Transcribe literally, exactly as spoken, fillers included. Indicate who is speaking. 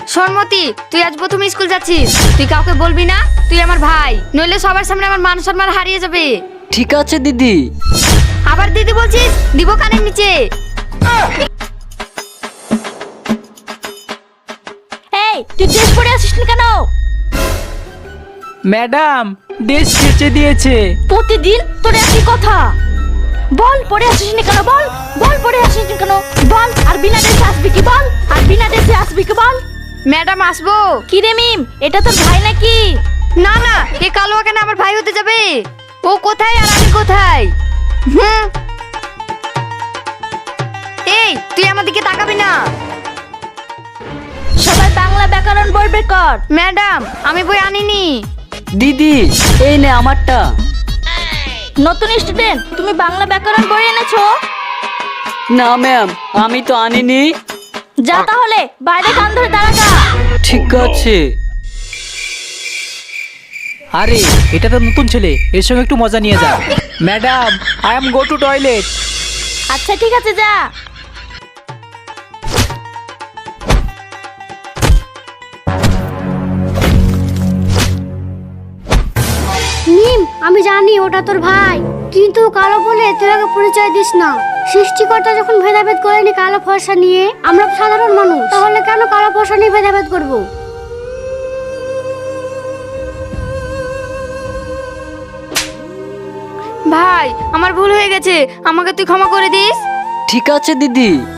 Speaker 1: সরমতি, তুই আজ প্রথম স্কুল যাচ্ছিস, তুই কাউকে বলবি না তুই আমার ভাই, নইলে সবার সামনে আমার মান সম্মান হারিয়ে যাবে।
Speaker 2: ঠিক আছে দিদি।
Speaker 1: আবার দিদি বলছিস, দিব কানের নিচে।
Speaker 3: এই তুই ড্রেস পরে আসিস না কেন?
Speaker 4: ম্যাডাম ড্রেস কেচে দিয়েছে।
Speaker 3: প্রতিদিন তোর একই কথা। বল পরে আসিস না কেন? বল বল পরে আসিস না কেন? বল আর বিনা ড্রেসে আসবি কি? বল আর বিনা ড্রেসে আসবি কি? বল।
Speaker 1: ম্যাডাম আসবো।
Speaker 3: কি রে মিম, এটা তোর ভাই নাকি?
Speaker 1: না না, এ কালো কেন আমার ভাই হতে যাবে? ও কোথায় আর আমি কোথায়? হুম, এই তুই আমার দিকে তাকাবি না।
Speaker 3: সবাই বাংলা ব্যাকরণ বই বের কর।
Speaker 1: ম্যাডাম আমি বই আনিনি।
Speaker 2: দিদি এই নে আমারটা।
Speaker 3: নতুন স্টুডেন্ট, তুমি বাংলা ব্যাকরণ বই এনেছো?
Speaker 2: না ম্যাম, আমি তো আনিনি।
Speaker 3: যা তাহলে বাইরে কান ধরে দাঁড়া যা।
Speaker 2: ঠিক আছে।
Speaker 4: আরে এটা তো নতুন ছেলে, এর সঙ্গে একটু মজা নিয়ে যা। Madam I am go to toilet.
Speaker 3: আচ্ছা ঠিক আছে যা।
Speaker 5: নিম, আমি জানি ওটা তোর ভাই, কিন্তু কালো বলে তুই আগে পরিচয় দিস না। সৃষ্টিকর্তা যখন ভেদাভেদ করেনি কালো ফর্সা নিয়ে, আমরা সাধারণ মানুষ, তাহলে কেন কালো ফর্সা নিয়ে ভেদাভেদ করব?
Speaker 1: ভাই আমার ভুল হয়ে গেছে, আমাকে তুই ক্ষমা করে দিস।
Speaker 2: ঠিক আছে দিদি।